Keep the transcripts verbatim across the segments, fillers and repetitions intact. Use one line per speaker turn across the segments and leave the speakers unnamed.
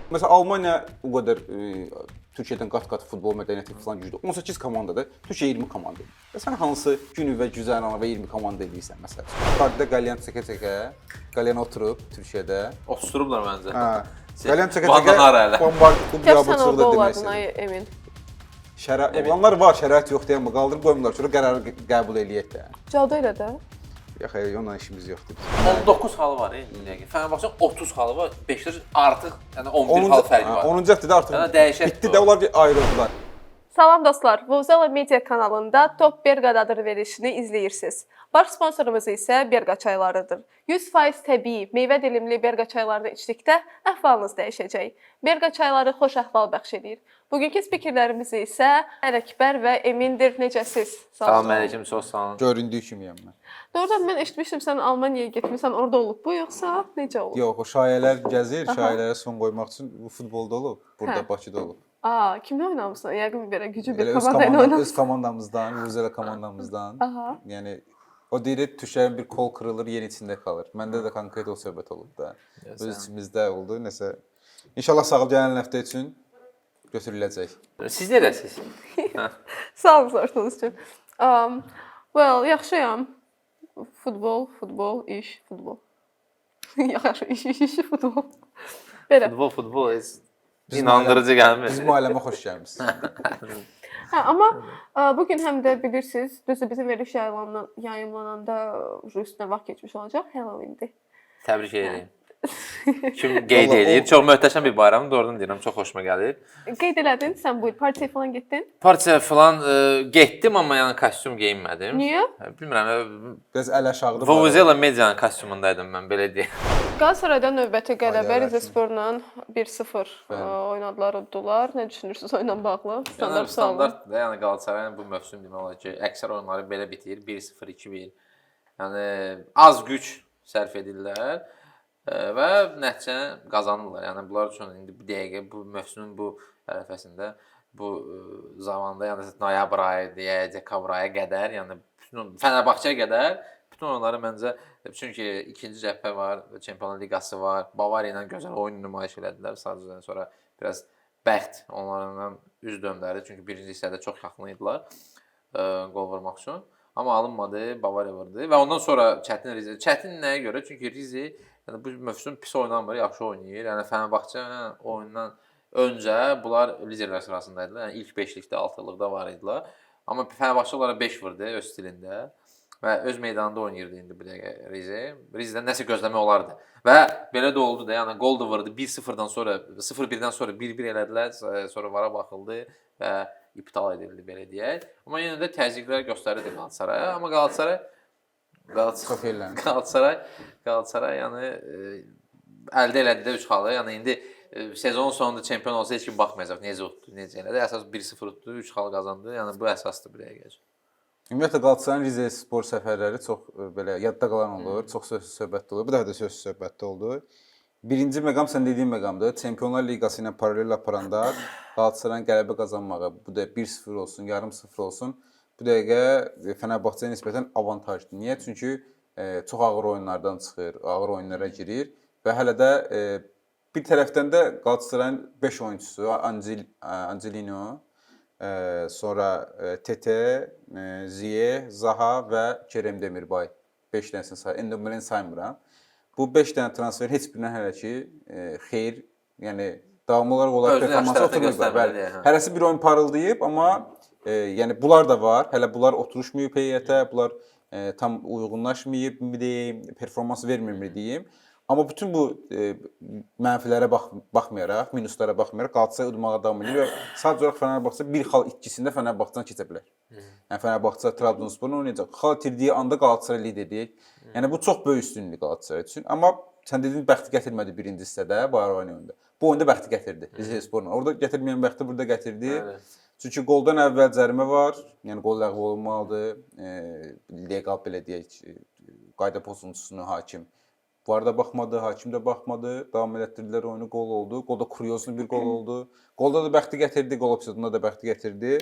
Məsələn, Almaniya o qədər e, Türkiyədən qat-qat futbol mədəniyyəti falan güclü. on səkkiz komandadır, Türkiyə iyirmi komanda. Və sən hansı günü və güzəranı və iyirmi komanda edirsən məsələn? Qarda qəlyan çəkə-çəkə, qəlyan oturub Türkiyədə.
Oturublar məncə.
Hə. Qəlyan çəkə-çəkə bombard klub biabırçılıqda demək
istəyirəm. Emin.
Şərait olanlar var, şərait yox deyən bu qaldırıb qoymurlar, sonra qərarı qəbul eləyək də.
Cadu elə də.
Yox, hayır, onunla işimiz yoxdur.
on doqquz halı var indi. Fenerbahçe'nin otuz halı var. Beşiktaş artıq yəni on bir hal fərqi var.
onuncu həftədə artıq
Yəni dəyişək.
Bitdi də onlar bir ayrıldılar.
Salam dostlar, Vuvuzela Media kanalında Top Berqa adı verilişini izləyirsiniz. Baş sponsorumuz isə Berqa çaylarıdır. yüz faiz təbii, meyvə dilimli Berqa çaylarını içdikdə əhvalınız dəyişəcək. Berqa çayları xoş əhval bəxş edir. Bugünkü spikərlərimiz isə Ələkbər və Emindir. Necəsiz?
Salam əleyküm, çox sağ olun.
Göründüyü kimiyəm mən.
Doğrudan mən eşitmişdim sən Almaniyaya getmisən, orada olub bu yoxsa necə olub?
Yox, o şayələr gəzir, şayələrə son qoymaq üçün bu futbolda olub, burada
Hə.
Bakıda olub.
Aa, kimlə oynamısan? Yəqin belə güclü bir
Elə öz
komanda ilə
komandam, öz
oynamısan.
komandamızdan, Vuvuzela komandamızdan.
Aha.
Yəni o deyir, tüşlərin bir kol kırılır, yen içində qalır. Məndə də konkret o söhbət olub da. Öz içimizdə oldu, nəsə. İnşallah sağ gələn həftə üçün götürüləcək.
Siz nerəsiz?
Sağ olun sorduğunuz üçün. Um, well, yaxşıyam. Futbol, futbol, iş, futbol. Yaxşı, iş, iş, iş, futbol. Belə.
Futbol, futbol heç inandırıcı gəlmir.
Bizim ailəmə xoş gəlmisiniz.
Hə, amma ə, bugün həm də bilirsiniz, düzdür bizim veriliş yayımlanan, yayımlananda üstünə vaxt keçmiş olacaq, Halloween-dir.
Təbrik edirəm. Kim qeyd edir? Çox möhtəşəm bir bayramdır, doğrudan deyirəm, çox xoşuma gəlir.
Qeyd elədin, sən bu il partiyaya falan getdin?
Partiya falan e, getdim, amma yəni kostyum geyinmədim.
Niyə?
Bilmirəm,
Biraz əl aşağıda.
Vuvuzela Media'nın kostyumundaydım mən, belə deyim.
Qalatasaraydan növbəti qələbə
Ailələr
Rizesporla bir sıfır oynadılar, uddular. Nə düşünürsünüz oyunla bağlı?
Yəni
Standart sualım.
standartdır da, yəni Qalatasarayın bu mövsüm demək olar ki, əksər oyunları belə bitir, bir sıfır, iki bir. Yəni az güc sərf edirlər və nəticəni qazanırlar. Yəni bunlar üçün indi bu dəqiqə bu mövsümün bu ərəfəsində bu zamanda, yəni noyabr ayı deyə, dekabr ayı qədər, yəni bütün Fənərbağçəyə qədər bütün oyunları məncə, çünki ikinci cəbhə var, Çempionlar Liqası var, Bavariya ilə gözəl oyun nümayiş elədilər. Sadəcə sonra biraz bəxt onlarla üz döndərdi, çünki birinci hissədə çox yaxın idilər qol vurmaq üçün. Amma alınmadı, Bavariya vurdu və ondan sonra çətin Rize. Çətin nəyə görə? Çünki Rize yəni bu mövsüm pis oynamır, yaxşı oynayır. Yəni Fənərbağçə oyundan öncə bunlar liderlər sırasındaydılar. Yəni ilk beşlikdə, altılıqda var idilər. Amma Fənərbağçə onlara beş vurdu öz stilində və öz meydanında oynayırdı indi bu dəqiqə Rize. Rizedən nəsə gözləmək olardı. Və belə də oldu da, yəni gol da vurdu. bir sıfırdan sonra, sıfır birdən sonra bir bir elədilər, sonra vara baxıldı və iptal edildi belə deyək. Amma yenə də təzyiqlər göstərirdi Qalatasaraya. Amma Qalatasaray Qalatasaray Qalatasaray Qalatasaray yəni e, əldə elədi də üç halı. Yəni indi e, sezonun sonunda çempion olsa heç kim baxmayacaq necə utdu, necə elədi. Əsas bir sıfır utdu, üç hal qazandı. Yəni bu əsasdır bu dəqiqə.
Ümumiyyətlə Qalatasarayın Rize spor səfərləri çox belə yadda qalan olur, çox sözsüz söhbətdə olur. Bu dəfə də sözsüz söhbətdə oldu. Birinci məqam sən dediyin məqamdır. Çempionlar Liqası ilə paralel aparanda Qalatasarayın qələbə qazanmağı, bu da bir sıfır olsun, yarım sıfır olsun, bu dəqiqə Fənərbağçəyə nisbətən avantajdır. Niyə? Çünki e, çox ağır oyunlardan çıxır, ağır oyunlara girir və hələ də e, bir tərəfdən də Qalatasarayın beş oyunçusu, Angel, Angelino, e, sonra e, Tete, e, Ziye, Zaha və Kerem Demirbay beş dənəsini sayır. Endombeleni saymıram. Bu beş dənə transferin heç birindən hələ ki e, xeyir, yəni davamlı olaraq onlar performansı oturmuyublar. Bəli. Hərəsi bir oyun parıldayıb, amma e, yəni bunlar da var. Hələ bunlar oturuşmayıb heyətə, bunlar e, tam uyğunlaşmayıb, mi deyim, performans vermir mi deyim. Amma bütün bu e, mənfilərə bax baxmayaraq, minuslara baxmayaraq Qalatasaray udmağa davam edir və sadəcə olaraq Fənərbağçə bir xal itkisində Fənərbağçadan keçə bilər. Yəni Fənərbağçə Trabzonsporla oynayacaq. Xal itirdiyi anda Qalatasaray liderlik. Yəni bu çox böyük üstünlük Qalatasaray üçün. Amma sən dediyin bəxti gətirmədi birinci hissədə, Bayrağı oyunda. Bu oyunda bəxti gətirdi Rizesporla. Orada gətirməyən bəxti burada gətirdi. Evet. Çünki qoldan əvvəl cərimə var. Yəni qol ləğv olunmalıdır. E, legal belə deyək, qayda pozuntusunu hakim bu arada baxmadı, hakim də baxmadı. Davam elətdirdilər oyunu, qol oldu. Qolda kuriozlu bir qol oldu. Qolda da bəxti gətirdi, qol epizodunda da bəxti gətirdi.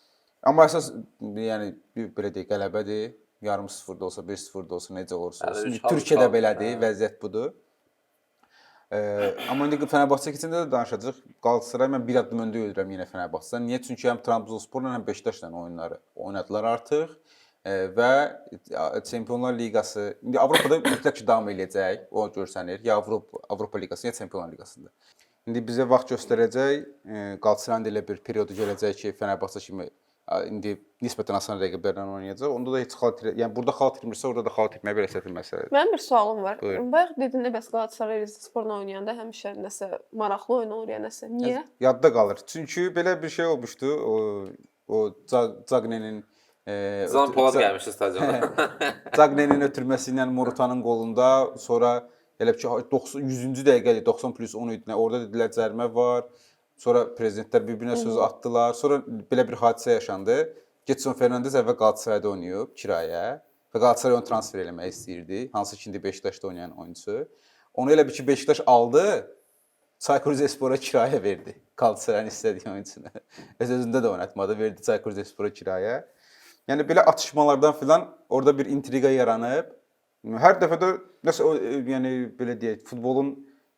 Amma əsas yəni belə deyək, qələbədir. Yarım sıfır da olsa, bir sıfır da olsa necə olursa olsun. Türkiyədə belədir, vəziyyət budur. E, amma indi Fenerbahçe keçəndə də danışacağıq. Qalatasaray mən bir addım öndə görürəm yenə Fenerbahçedən. Niyə? Çünki həm Trabzonsporla həm Beşiktaşla oyunları oynadılar artıq. E, və Çempionlar Liqası indi Avropada mütləq ki davam eləyəcək. O görsənir. Ya Avropa Avropa Liqası, ya Çempionlar Liqasında. İndi bizə vaxt göstərəcək. Qalatasaray ilə bir periodu gələcək ki, Fenerbahçe kimi indi nisbətən asan rəqiblərlə oynayacaq. Onda da heç xal itir, yəni burada xal itirmirsə, orada da xal itirməyə belə çətin məsələdir.
Mənim bir sualım var.
Buyurun.
Bayaq dedin də bəs Qalatasaray Rizesporla oynayanda həmişə nəsə maraqlı oyun olur ya nəsə. Niyə?
Yadda qalır. Çünki belə bir şey olmuşdu. O o Zagnenin e,
Zan Polad gəlmişdi stadiona.
Zagnenin ötürməsi ilə Morutanın qolunda, sonra elə ki doxsan yüzüncü dəqiqə doxsan plus on idi. Orada dedilər cərimə var. Sonra prezidentlər bir-birinə söz atdılar. Sonra belə bir hadisə yaşandı. Getson Fernandes əvvəl Qalatasarayda oynayıb kirayə və Qalatasaray onu transfer eləmək istəyirdi. Hansı ki indi Beşiktaşda oynayan oyunçu. Onu elə bir ki Beşiktaş aldı, Çaykur Rizespora kirayə verdi. Qalatasarayın istədiyi oyunçunu. Öz özündə də oynatmadı, verdi Çaykur Rizespora kirayə. Yəni belə atışmalardan filan orada bir intriqa yaranıb. Hər dəfə də nəsə yəni belə deyək, futbolun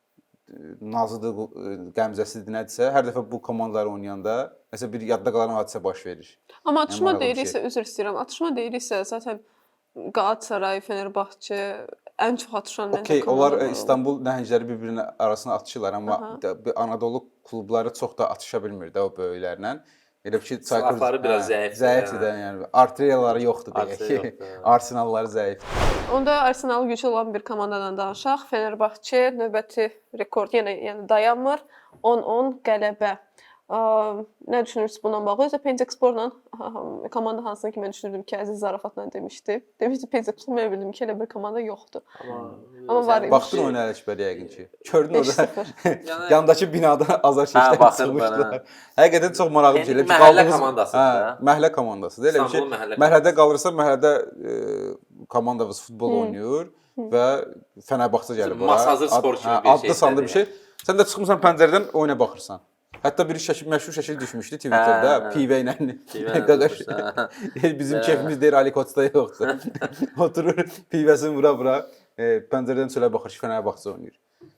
nazıdır, qəmzəsidir nədirsə, hər dəfə bu komandalar oynayanda nəsə bir yadda qalan hadisə baş verir.
Amma atışma
Yəni,
deyiriksə, üzr istəyirəm. Atışma deyiriksə, zaten Qalatasaray, Fenerbahçe ən çox atışan məncə
Okay, onlar
komandalar olur.
İstanbul nəhəngləri bir-birinin arasına atışırlar, amma
Aha.
Anadolu klubları çox da atışa bilmir də o böyüklərlə. Elə ki,
Silahları biraz zəifdir.
Zəifdir də, yəni artilleriyaları yoxdur
Artilleriya
deyək.
yoxdur, hə.
Arsenalları zəifdir.
Onda Arsenal gücü olan bir komandadan danışaq. Fenerbahçe növbəti rekord yenə yəni dayanmır. on on qələbə. Ə, nə düşünürsüz bununla bağlı? Özə Pendiksporla komanda hansını ki mən düşünürdüm ki, Əziz zarafatla demişdi. Demişdi Pendikspor, mən bildim ki, elə bir komanda yoxdur.
Amma
Amma var idi.
Baxdın oyuna Ələkbər yəqin ki. Gördün
beş
orada
sıfır.
Yəni-
yandakı binada azar
Hə,
şişdən
baxırdım mən,
çıxmışdılar. Həqiqətən çox maraqlı bir
Yəni
şeydir.
məhəllə komandasıdır da.
Məhəllə komandasıdır. Elə bir şey.
İstanbulun məhəllə
Məhəllədə qalırsa, məhəllədə e, komandamız futbol oynayır və Fenerbahçe gəlib ora.
Masazır spor
Ad-
kimi
hə,
bir
adlı
şey
sandı bir
istədi
şey. Sən də çıxmısan pəncərədən oyuna baxırsan. Hətta bir şəkil, məşhur şəkil düşmüşdü Twitterdə,
Hə, hə.
pivə ilə.
Pivə ilə
Qaqaş.
durmuşdu,
Bizim kefimiz deyir Ali Koçda yoxdur. Oturur pivəsini vura-vura e, pəncərədən çölə baxır ki, Fenerbahçe oynayır.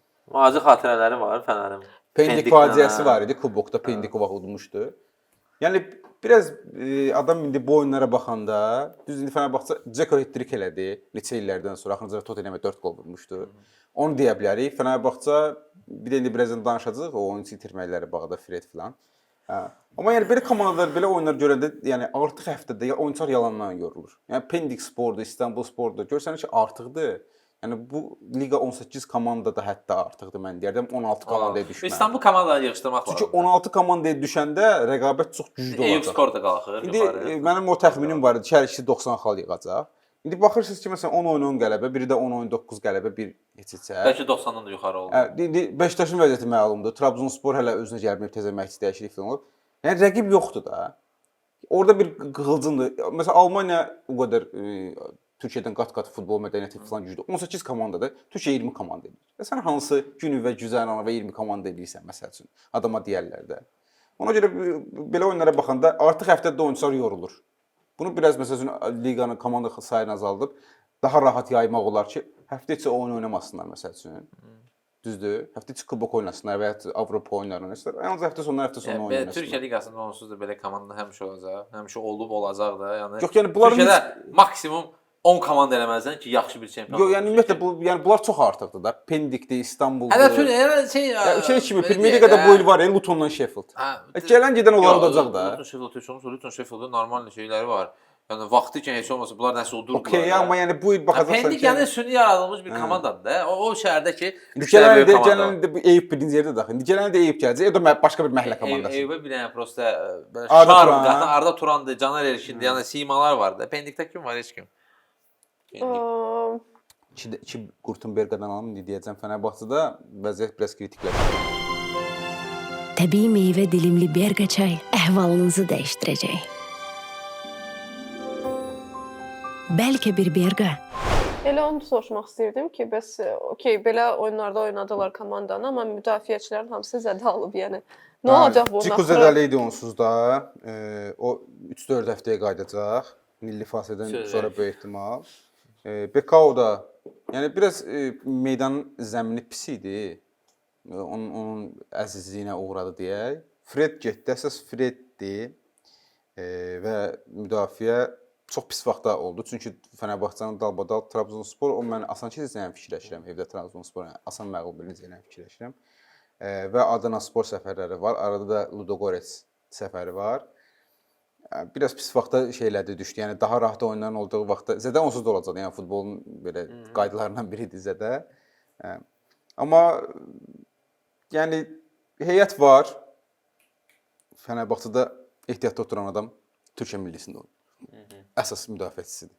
Acı xatirələri var Fənərin.
Pendik
Pendiklə,
faciəsi
hə.
var idi, kubokda Pendik vaxt udmuşdu. Yəni biraz e, adam indi bu oyunlara baxanda, düz indi Fenerbahçe Dzeko hat-trick elədi neçə illərdən sonra, axırıncı Tottenhamə dörd qol vurmuşdu. Onu deyə bilərik. Fenerbahçe bir də indi birazdan danışacağıq o oyunçu itirməkləri bağda Fred filan. Hə. Amma yəni belə komandalar, belə oyunlar görəndə, yəni artıq həftədə ya oyunçular yalandan yorulur. Yəni Pendik Spordur, İstanbul Spordur. Görsənir ki, artıqdır. Yəni bu liqa on səkkiz komanda da hətta artıqdır mən deyərdim. on altı komandaya düşməli.
İstanbul komandalarını yığışdırmaq
Çünki
lazımdır.
on altı komandaya düşəndə rəqabət çox güclü
Eyüp
olacaq.
skor da qalxır.
İndi
yuxarı.
e, mənim o təxminim var idi ki, hər ikisi doxsan xal yığacaq. İndi baxırsınız ki, məsələn on oyun on qələbə, biri də on oyun doqquz qələbə, bir keçəcək.
Bəlkə doxsandan da yuxarı oldu.
Hə, indi Beşiktaşın vəziyyəti məlumdur. Trabzonspor hələ özünə gəlməyib, təzə məşqçi dəyişiklik falan olub. Yəni rəqib yoxdur da. Orada bir qığılcımdır. Məsələn Almaniya o qədər e, Türkiyədən qat-qat futbol mədəniyyəti falan güclü. on səkkiz komandadır. Türkiyə iyirmi komanda edir. Və sən hansı günü və güzəranı və iyirmi komanda edirsən məsəl üçün? Adama deyərlər də. Ona görə belə oyunlara baxanda artıq həftədə oyunçular yorulur. Bunu biraz məsəl üçün liqanın komanda sayını azaldıb daha rahat yaymaq olar ki, həftə içi oyun oynamasınlar məsəl üçün. Düzdür? Həftə içi kubok oynasınlar və ya Avropa oyunları oynasınlar. Yalnız həftə sonları həftə sonu
Yəni,
oynasınlar.
Türkiyə liqasında onsuz da belə komanda həmişə olacaq. Həmişə olub olacaq da. Yəni
Yox, yəni bunların
Türkiyədə
heç-
maksimum on komanda eləməzsən ki, yaxşı bir çempion.
Yox, yəni ümumiyyətlə bu yəni bunlar çox artıqdır da. Pendikdir, İstanbuldur.
Hələ Türkiyə elə şey
Ya şey kimi
belə
Premier
deyək
Liqada
də,
bu il var ya Lutonla Sheffield.
hə,
E, Gələn gedən onlar
yox,
olacaq da.
Luton Sheffield, Luton Luton Sheffield'ın normal şeyləri var. Yəni vaxtı ikən heç olmasa bunlar nəsə udurdular.
Okey,
da.
amma yəni bu il baxacaqsan
Pendik
ki,
yəni süni yaradılmış bir komandadır da. O, o şəhərdə ki,
İndi
üç dənə
gələn
böyük
də
komanda
gələn də bu Eyüp birinci yerdə daxil. İndi gələn də Eyüp gələcək. O da mə- başqa bir məhəllə komandası.
Eyüpə bir dənə prosta e, belə
Arda
şarm
Turan.
qatan Arda Turandır, Caner Erkindir, yəni simalar var da. Pendikdə kim var? Heç kim. Pendik.
Ə,
İki, iki Gurtenberg'dən alım indi deyəcəm Fenerbahçedə vəziyyət biraz kritikləşir.
Təbii meyvə dilimli Berqa çay əhvalınızı dəyişdirəcək. Bəlkə bir Berqa
Elə onu da soruşmaq istəyirdim ki, bəs okey, belə oyunlarda oynadılar komandanı, amma müdafiəçilərin hamısı zədə alıb, yəni. Nə olacaq bundan
Ciku zədəli idi onsuz da. E, o üç dörd həftəyə qayıdacaq. Milli fasilədən
Söz
sonra
ver.
böyük ehtimal. E, Bekao da yəni biraz e, meydanın zəmini pis idi. onun, onun əzizliyinə uğradı deyək. Fred getdi, əsas Freddir e, və müdafiə çox pis vaxtda oldu. Çünki Fenerbahçenin dalbadal Trabzonspor, o mən asan keçəcəyini fikirləşirəm. Evdə Trabzonspor yəni asan məğlub edəcəyini fikirləşirəm. E, və Adana Spor səfərləri var. Arada da Ludogorets səfəri var. Yəni, biraz pis vaxtda şeylədi, düşdü. Yəni daha rahat oyunların olduğu vaxtda Zədə onsuz da olacaq. Yəni futbolun belə qaydalarından biridir Zədə. E, amma yəni heyət var. Fenerbahçedə ehtiyatda oturan adam Türkiyə millisində oynayır. Əsas müdafiəçisidir.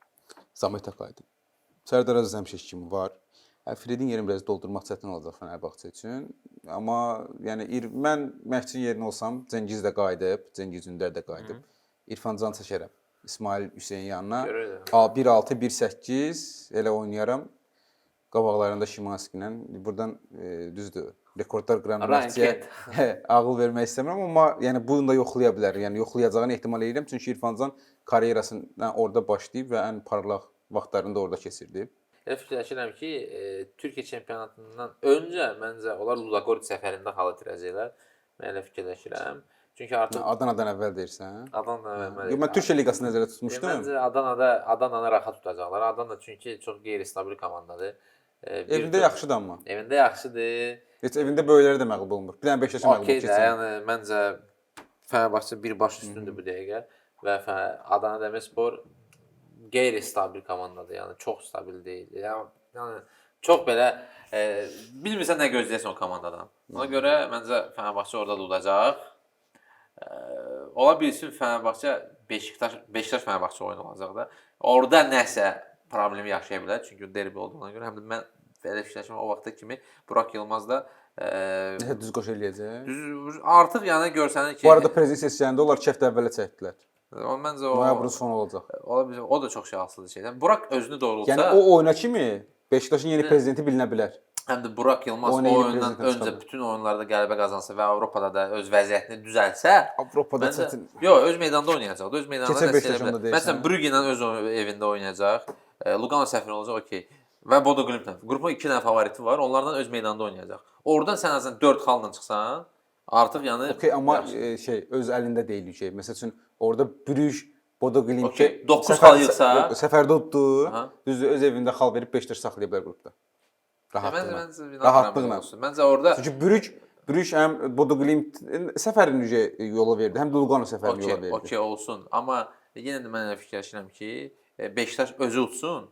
Samet Akay'dır. Sərdar Əziz Həmşək kimi var. Fredin yerini biraz doldurmaq çətin olacaq Fenerbahçe üçün. Amma yəni mən məşqçinin yerinə olsam, Cengiz də qayıdıb, Cengiz Ündər də qayıdıb. İrfan Can çəkərəm. İsmail Hüseyin yanına. bir altı bir səkkiz elə oynayaram. Qabaqlarında Şimanski ilə. Buradan e, düzdür. Rekordlar qıran məşqçiyə ağıl vermək istəmirəm, amma yəni bunu da yoxlaya bilər. Yəni yoxlayacağını ehtimal edirəm. Çünki İrfan Can karyerasını orada başlayıb və ən parlaq vaxtlarını da orada keçirdi.
Elə fikirləşirəm ki, e, Türkiyə çempionatından öncə məncə onlar Ludogorets səfərində hal itirəcəklər. Mən elə fikirləşirəm. Çünki artıq
Adanadan əvvəl deyirsən?
Adanadan əvvəl.
Yox, mən Türkiyə liqasını nəzərdə tutmuşdum.
Məncə Adanada Adananı rahat tutacaqlar. Adana çünki çox qeyri-stabil komandadır. E,
evində yaxşıdır amma.
Evində yaxşıdır.
Heç evində böyükləri də məğlub olmur. Bir dənə Beşiktaşa məğlub
keçir.
keçir.
Yəni məncə Fenerbahçe birbaş üstündür bu dəqiqə və Adana Demirspor qeyri-stabil komandadır. Yəni çox stabil deyil. Yəni, yəni çox belə e, bilmirsən nə gözləyəsən o komandadan. Ona görə məncə Fenerbahçe orada da udacaq. E, ola bilsin Fenerbahçe Beşiktaş Beşiktaş Fenerbahçe oyunu olacaq da. Orada nəsə problemi yaşaya bilər. Çünki derbi olduğuna görə həm də mən belə fikirləşirəm o vaxta kimi Burak Yılmaz da
Nəsə düz qoş eləyəcək.
Düz artıq yəni görsənir ki,
bu arada prezident sessiyasında onlar iki həftə əvvələ çəkdilər.
O məncə o
noyabrın sonu olacaq.
Ola bilər. O da çox şanslıdır şeydən. Burak özünü doğrultsa,
yəni o oyuna kimi Beşiktaşın yeni prezidenti bilinə bilər.
Həm də Burak Yılmaz o oyundan öncə bütün oyunlarda qələbə qazansa və Avropada da öz vəziyyətini düzəlsə,
Avropada çətin.
Yox, öz meydanda oynayacaq. Öz meydanda
da Beşiktaşında deyirsən.
Məsələn, Brügge ilə öz evində oynayacaq. Lugano səfəri olacaq, okey. Və Bodo Glimt'lə. Qrupun iki dənə favoriti var. Onlardan öz meydanda oynayacaq. Oradan sən azından dörd xalla çıxsan, artıq yəni
okey, amma e, şey öz əlində deyil şey. Məsəl üçün orada Brüj, Bodo Glimt
okay, doqquz xal yığsa,
səfərdə utdu. Düzdür, öz evində xal verib Beşiktaş saxlaya bilər qrupda. Rahatlıqla. Rahatlıqla.
Məncə orada
çünki Brüj Brüj həm Bodo Glimt səfərini yola verdi, həm də Lugano səfərini yola verdi.
Okey olsun. Amma yenə də mən fikirləşirəm ki, Beşiktaş özü utsun.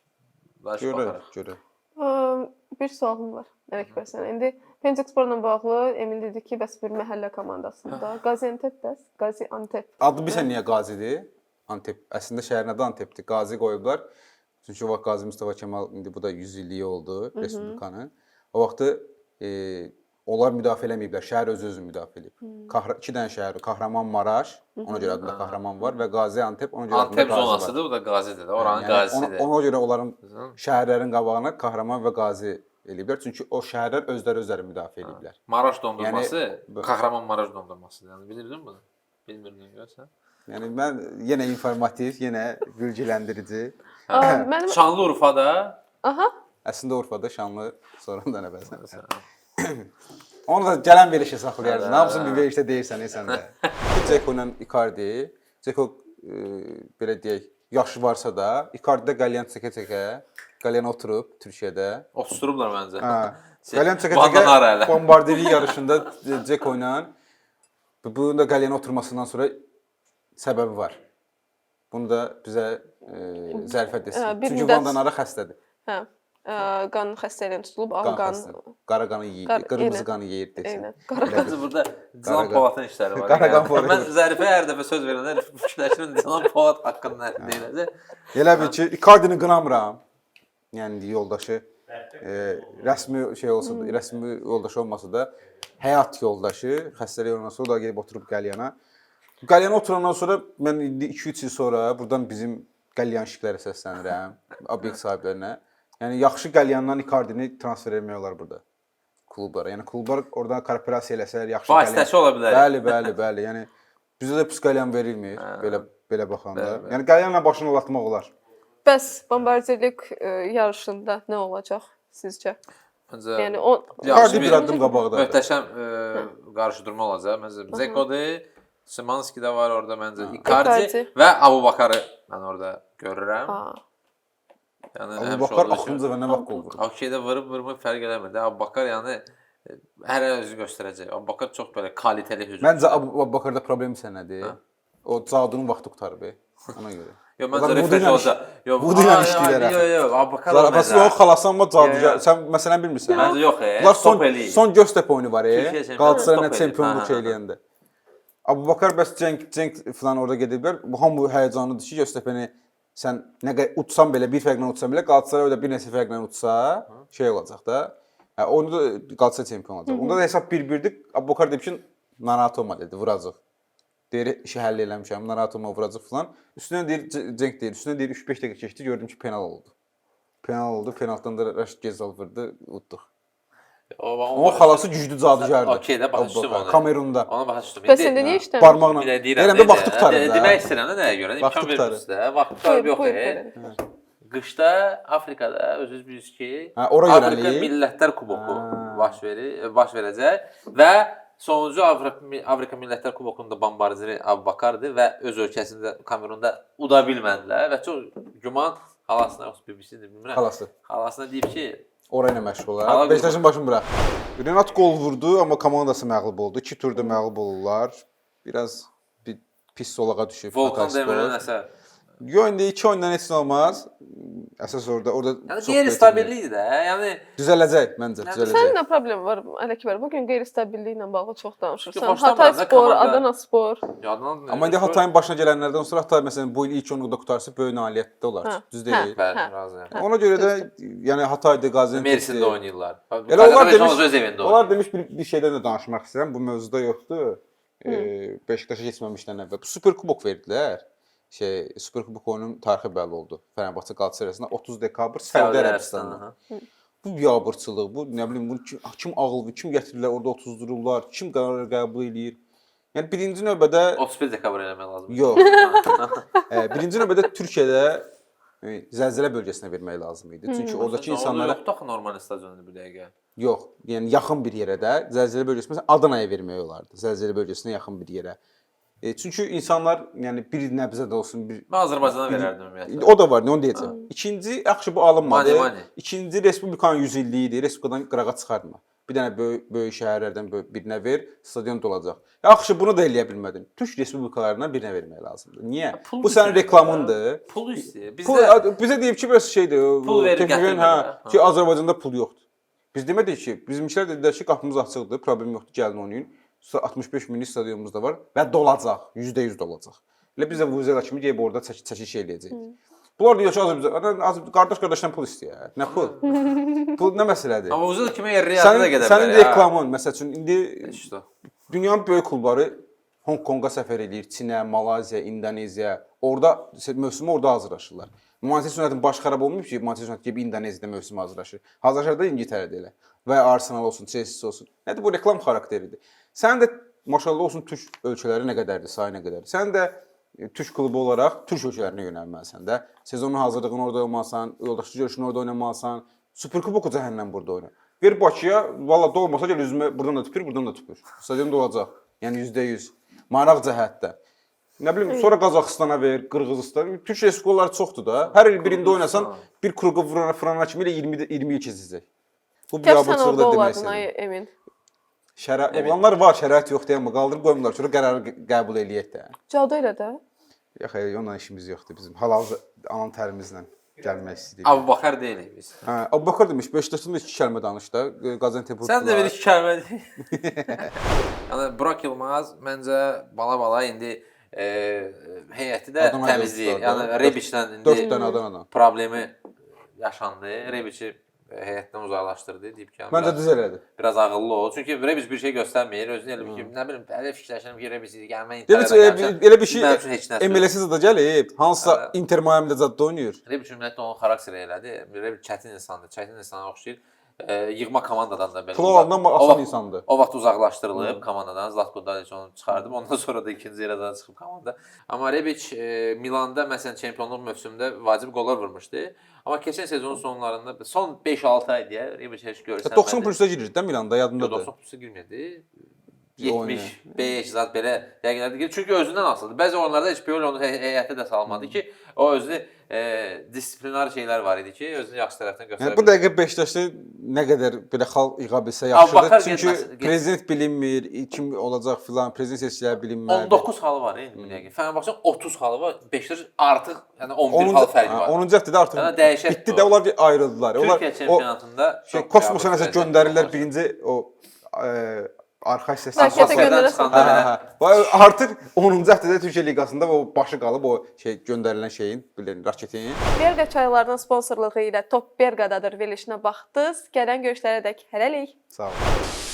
Görə, görə.
Bir sualım var Əkbər sənə. İndi Pentiksporla bağlı Emin dedi ki, bəs bir məhəllə komandasında Qaziantep bəs, Qaziantep.
Adı bilirsən niyə Qazidir? Antep. Əslində şəhərin adı Antepdir. Qazi qoyublar. Çünki o vaxt Qazi Mustafa Kemal indi bu da yüz illiyi oldu Respublikanın. O vaxtı e, onlar müdafiə eləməyiblər. Şəhər öz-özünü müdafiə edib. Kahra iki dənə şəhər, Kahramanmaraş, ona görə adında Kahraman var və Qaziantep, ona görə adında
Antep zonasıdır, bu da Qazidir də. Oranın
yəni,
Qazisidir.
Ona, ona görə onların şəhərlərin qabağına Kahraman və Qazi eləyiblər. Çünki o şəhərlər özləri özləri müdafiə ediblər.
Maraş dondurması
yəni,
Kahramanmaraş dondurmasıdır. Yəni bilirdin bunu? Bilmirdin görsən?
Yəni mən yenə informativ, yenə bilgiləndirici.
Mənim
Şanlıurfada.
Aha.
Əslində Urfada, Şanlı, sonradan əvvəlsən. Onu da gələn verişə saxlayarsan. Hamısını bir verişdə deyirsən sən də. Ceko ilə Icardi. Ceko e, belə deyək, yaşı varsa da, Icardi də qəlyan çəkə-çəkə, qəlyan oturub Türkiyədə.
Oturublar məncə.
Hə. Qəlyan çəkə-çəkə bombardiri yarışında Ceko ilə bunun da qəlyan oturmasından sonra səbəbi var. Bunu da bizə e, zərfət desin. Çünki Vandan ara xəstədir.
Hə. Qan xəstəliyinə tutulub, ağ qan,
qara qanı yeyir,
Qar-
qırmızı
eynən.
qanı yeyir desən.
Eynən, qara qan.
Məncə burada Dilan Polatın işləri var.
Qara qan
Yəni.
forvet.
Mən Zərifə hər dəfə söz verəndə fikirləşirəm Dilan Polat haqqında nə deyiləcək.
Elə bil ki, Icardi-ni qınamıram. Yəni yoldaşı e, rəsmi şey olsa da, rəsmi yoldaşı olmasa da həyat yoldaşı, xəstəlik ondan sonra o da gedib oturub qəlyana. Qəlyana oturandan sonra mən indi iki üç il sonra buradan bizim qəlyanşiklərə səslənirəm, obyekt sahiblərinə. Yəni yaxşı qəlyandan Icardi-ni transfer etmək olar burada klublara. Yəni klublar oradan kooperasiya eləsələr, yaxşı
Vasitəçi ola bilər.
Bəli, bəli, bəli. Yəni bizə də pis qəlyan verilmir belə belə baxanda. Yəni qəlyanla başını olatmaq olar.
Bəs bombardirlik e, yarışında nə olacaq sizcə?
Məncə
Yəni o
yaxşı
Icardi bir addım qabaqdadır.
möhtəşəm e, qarşıdurma olacaq. Məncə Zeko'dur, Szymanski də var orada məncə.
Icardi.
Icardi və Abubakarı mən orada görürəm.
Ha.
Yəni
Abu
həmişə
Bakar
olduğu kimi.
axırıncı və nə vaxt qol vurur?
Okeydə vurub vurmur fərq eləmir də. Abubakar yəni e, hər an özünü göstərəcək. Abubakar çox belə kaliteli hücumçu.
Məncə Abu Bakarda problem isə nədir?
Hə.
O Cadunun vaxtı qurtarıb. Ona görə.
Yox,
Onlar
məncə
Vudu
refresh
ilə
olacaq. Yox,
Vudu ilə
aa,
işləyirlər
Yox,
axı.
yox, Abubakar
Zarafası o xalasan mı Caduca?
Yox, yox.
Sən məsələn bilmirsən.
Məncə yox, e.
Bunlar son
Stop eləyir.
son Göztepe oyunu var e.
Türkiyə çempionu
Qalatasarayla
stop eləyir.
çempionluq
Hə,
şey
hə, hə.
eləyəndə. Abubakar bəs Cenk Cenk falan orada gediblər. Bu hamı həyəcanlıdır ki, Göztepe'ni sən nə qədər utsan belə bir fərqlə utsan belə Qalatasaray orada bir neçə fərqlə utsa, şey olacaq da. Hə, onu da Qalatasaray çempion olacaq. Onda da hesab bir birdir. Abubakar deyib ki, narahat olma dedi, vuracaq. Deyir, işi həll eləmişəm, narahat olma, vuracaq falan. Üstünə deyir Cenk deyir, üstünə deyir üç beş dəqiqə keçdi, gördüm ki, penal oldu. Penal oldu, penaltdan da Rəşid Gezal vurdu, utduq. Onun xalası güclü cadugardır.
Okey də başa düşdüm onu.
Kamerunda.
Ona başa düşdüm.
Bəs indi niyə işləmir?
Barmaqla.
Bir də deyirəm.
Deyirəm də
necə?
vaxt tutarım
De-
da.
Demək istəyirəm də nəyə görə?
Vaxt
İmkan
tutarım.
vermişsə də, vaxt tutarım
Buyur,
yox.
buyur,
e.
buyur.
Qışda Afrikada özünüz bilirsiniz ki,
Hə, ora
Afrika
yönəlik.
Millətlər Kuboku
Ha.
baş verir, baş verəcək və sonuncu Afrika, Afrika Millətlər Kubokunda bombardiri Abubakardır və öz ölkəsində Kamerunda uda bilmədilər və çox güman xalasına, yoxsa B B C-dir bilmirəm.
Xalası.
Xalasına deyib ki,
Ora ilə məşğul
Hala
olar. Beşiktaşın başını burax. Renat gol vurdu, amma komandası məğlub oldu. İki turda məğlub olurlar. Biraz bir pis solağa düşüb.
Volkan
Hatay Spor.
Demirel nəsə.
Yo, indi iki oyundan heç nə olmaz. Əsas orada, orada
Yəni
çox
qeyri-stabillikdir də. Yəni
düzələcək məncə,
Yəni
düzələcək.
Sənin nə problem var Ələkbər? Bu gün qeyri-stabilliyi ilə bağlı çox danışırsan.
Çünki xoşlamıram
Hatay
da
Spor,
komanda-
Adana Spor.
yadından
Amma indi Hatayın başına gələnlərdən sonra Hatay məsələn bu il ilk onluqda qurtarsa böyük nailiyyətdə olar.
Hə,
Düz
hə.
deyil.
bəli,
Hə.
razıyam.
Ona görə də yəni Hatayda Qaziantepdə
Mersində oynayırlar.
Elə onlar demiş,
öz evində
onlar
oynayır.
demiş bir, bir şeydən də danışmaq istəyirəm. Bu mövzuda yoxdur. E, Beşiktaşa keçməmişdən əvvəl Super Kubok verdilər. Şey, Super Kubok oyunun tarixi bəlli oldu. Fenerbahçe Qalatasaray arasında otuz dekabr Səudi Ərəbistanında. Bu biabırçılıq, bu nə bilim, bunu kim, kim ağıl, kim gətirirlər orada otuzdururlar, kim qərar qəbul eləyir. Yəni birinci növbədə
otuz bir dekabr eləmək lazımdır.
yox. e, birinci növbədə Türkiyədə e, zəlzələ bölgəsinə vermək lazım idi. Çünki oradakı insanlara
yoxdur axı normal stadionda bu dəqiqə.
yox, yəni yaxın bir yerə də zəlzələ bölgəsinə məsələn Adanaya vermək olardı. Zəlzələ bölgəsinə yaxın bir yerə. E, çünki insanlar yəni bir nəbzə də olsun, bir
Mən Azərbaycana verərdim ümumiyyətlə.
o da var, nə onu deyəcəm. İkinci, yaxşı bu alınmadı.
Mani, mani.
İkinci Respublikanın yüz illiyi idi. Respublikadan qırağa çıxartma. Bir dənə böyük böyük şəhərlərdən böyük birinə ver, stadion dolacaq. Yaxşı, bunu da eləyə bilmədin. Türk respublikalarından birinə vermək lazımdır. Niyə?
Pul
Bu sənin
istəyir
reklamındır.
Pul istəyir.
Pul,
Bizdə
bizə deyib ki, bəs şeydir,
Pul verib
T V N-in,
gətirmirlər,
hə,
hə.
ki Azərbaycanda pul yoxdur. Biz demədik ki, bizimkilər dedilər ki, qapımız açıqdır, problem yoxdur, gəlin oynayın. altmış beş minlik stadionumuz da var və dolacaq, yüzdə yüz dolacaq. Elə biz də Vuzela kimi deyib orada çəkiş çəkiş eləyəcəyik. Bunlar deyir ki, Azərbaycan Azərbaycan qardaş qardaşdan pul istəyir. Nə pul? Pul nə məsələdir?
amma uzun kimi yer riyada da
Sənin
gedə bilər.
sənin reklamın, məsəl üçün indi
İşte.
dünyanın böyük klubları Hong Konga səfər eləyir, Çinə, Malayziya, İndoneziya. Orada mövsümü orada hazırlaşırlar. Manchester United baş xarab olmayıb ki, Manchester United gibi İndoneziyada mövsüm hazırlaşır. Hazırlaşır da İngiltərədə elə. Və ya Arsenal olsun, Chelsea olsun. Nədir bu reklam xarakteridir. Sən də maşallah olsun Türk ölkələri nə qədərdir, sayı nə qədərdir. Sən də e, Türk klubu olaraq Türk ölkələrinə yönəlməlisən də. Sezonun hazırlığını orada olmalısan, yoldaşlıq görüşünü orada oynamalısan. Super Kuboku cəhənnəm burada oyna. Ver Bakıya, valla dolmasa gəl üzümə buradan da tüpür, buradan da tüpür. Stadion dolacaq. Yəni yüzdə yüz. Maraq cəhətdə. Nə bilim, sonra Qazaxıstana ver, Qırğızistan. Türk respublikaları çoxdur da. Hər il birində oynasan, bir kruqu vurana, fırana kimi ilə iyirmi iyirmi il keçəcək. Bu
Kəs sən
biabırçılıq
orada
da demək
olardın
istəyirəm.
ay Emin.
Şərait
Emin.
olanlar var, şərait yox deyəmə qaldırıb qoymurlar. Sonra qərarı qə- qəbul eləyək də.
Cadu elə də.
Yox, hayır, onunla işimiz yoxdur bizim. Halal anan tərimizlə gəlmək istəyirik.
Abubakar deyilik biz.
Hə, Abubakar demiş, Beşiktaşdan da iki kəlmə danış da. Qaziantep
Sən də bir iki kəlmə de. Yəni Burak Yılmaz məncə bala-bala indi e, heyəti də
Adana
təmizləyir.
Ajax'da
Yəni
da
Rebiçlə
dörd
indi
dənə Adanadan.
problemi yaşandı. Rebiçi heyətdən uzaqlaşdırdı, deyib ki, yəni
Məncə
biraz-
düz elədi.
biraz ağıllı ol. Çünki Rebic bir şey göstərmir. Özünü elə bil ki, nə bilim, elə fikirləşirəm ki, Rebic gəlmək
Demiş,
gəlmişəm.
elə bir şey
Mənim üçün heç nə
M L S-də də gəlib. Hansısa
Hə.
Inter Miami-də zad oynayır.
Rebic ümumiyyətlə onun xarakteri elədi. Rebic çətin insandır, çətin insana oxşayır. e, yığma komandadan da belə.
Pul alandan
uzaq- o
asan
vaxt-
insandır.
O vaxt uzaqlaşdırılıb komandadan. Zlatko Dalic onu çıxardım. Ondan sonra da ikinci yerə çıxıb komanda. Amma Rebic e, Milanda məsələn çempionluq mövsümündə vacib qollar vurmuşdu. Amma keçən sezonun sonlarında son beş altı ay deyə Rebic heç görsənmədi.
doxsan plusda girir də Milanda
Yox,
yadındadır.
doxsan plusa girmədi. yetmiş beş zat belə dəqiqələrdə girir. Çünki özündən asılıdır. Bəzi oyunlarda heç Pioli onu hey- heyətə də salmadı ki, o özü e, disiplinar şeylər var idi ki, özünü yaxşı tərəfdən göstərə
Yəni bu dəqiqə Beşiktaşda nə qədər belə xal yığa bilsə
Abubacar
yaxşıdır. Çünki
getməz- get-
prezident bilinmir, kim olacaq filan, prezident seçkiləri
on
bilinməlidir.
doqquz halı var indi bu dəqiqə. Fenerbahçe otuz halı var. Beşiktaş artıq yəni on bir
onuncu
hal fərqi var.
onuncu həftədə artıq
Yəni dəhşətdir
bitdi
o.
də onlar ayrıldılar. Onlar
Türkiyə
o
çempionatında
şey
çox
kosmosa
qəbul
nəsə
vəziyyətdə
göndərirlər
olmaz.
birinci o e, arxa hissəsi.
Raketə
Asfaltlardan
göndərəsən.
çıxanda
Hə,
belə.
hə, hə. Və artıq onuncu həftədə Türkiyə liqasında o başı qalıb o şey göndərilən şeyin, bilin, raketin.
Berqa çaylarının sponsorluğu ilə Top Berqadadır verilişinə baxdınız. Gələn görüşlərə dək hələlik.
Sağ olun.